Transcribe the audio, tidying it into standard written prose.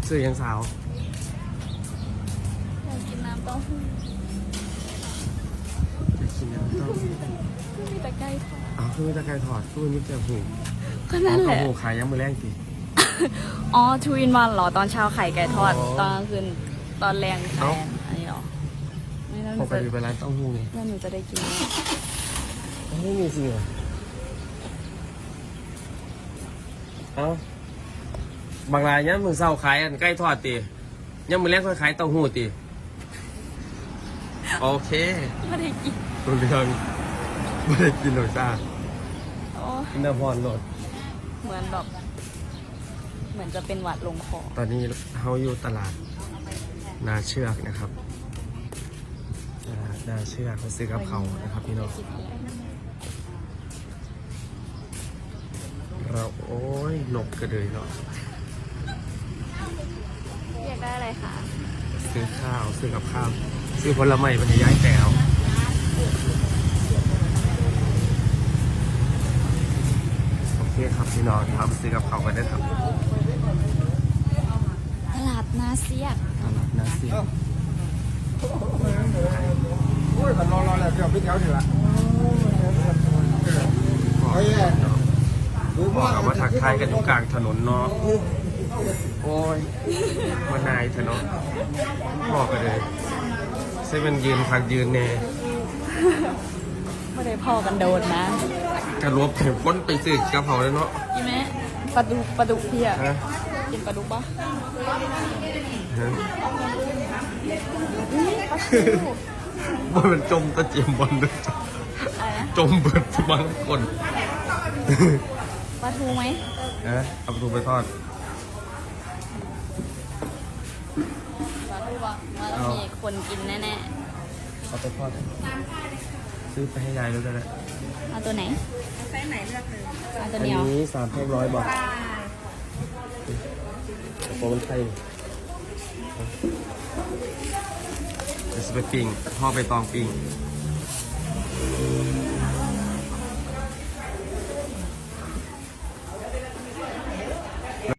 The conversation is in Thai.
ซื้อยังสาวอยากกินน้ำเต้าหู้จะกินน้ำเต้าหู้มีแต่ไก่ทอดอ๋อคือมีตะไคร้ทอดคือมีแต่หูก็นั่นแหละเต้าหู้ขายยังมือแรงสิอ๋อทูอินวันเหรอตอนเช้าไข่ไก่ทอดอ๋อตอนกลางคืนตอนแรงไข่เอ้าอันนี้เหรอไม่แล้วหปนูกจะติไปร้านเต้าหู้ไงแล้วหนูจะได้กินไหมไม่มีจริงเหรอเอ้าบางรายเนี่ยมือเศร้าขายอันใกล้ทอดตียังมือแรงค่อยขายเต้าหู้ตีโอเคไม่ได้กินรู้เรื่องไม่ได้กินหรอกจ้าโอ้กินน้ำพรโหลดเหมือนแบบเหมือนจะเป็นหวัดลงคอตอนนี้เขาอยู่ตลาดนาเชือกนะครับตลาดนาเชือกเขาซื้อกับเขานะครับพี่น้องเราโอ้ยนกกระเดยเนาะอยากได้อะไรคะซื้อข้าวซื้อกับข้าวซื้อผลไม้บรรยายแก้วโอเคครับพี่น้องครับซื้อกับเขาวกันได้ครับตลาดนาเซียกตลาดนาเชือกโอ้ยมันรอแหละเดี๋ยวพี่แถวนี่ละบอกกับว่าทักทายกันอยู่กลางถนนเนาะโอ้ยมานายเถอะเนาะบอกกันเลยใช่มันยืนพักยืนแน่ไม่ได้พ่อกันโดนนะกระลบถึงพ้นไปซื้อกระเพราแล้วเนาะกินไหมปลาดุกพี่อะฮะกินปลาดุกปะฮะปลาทูว่ามันจมตะเจียมบอลด้วยอะไรนะจมเบิดบางคนปลาทูไหมฮะเอาประตูไปทอดปลาทูปะมันต้องมีคนกินแน่เอาไปทอดซื้อไปให้ยายด้วยก็ได้ๆเอาตัวไหนไซส์ไหนเลือกเลยเอาตัวอันเดียวนี้3,100 บาทโปรมันไทยจะไปปิ้งพ่อไปตองปิ้ง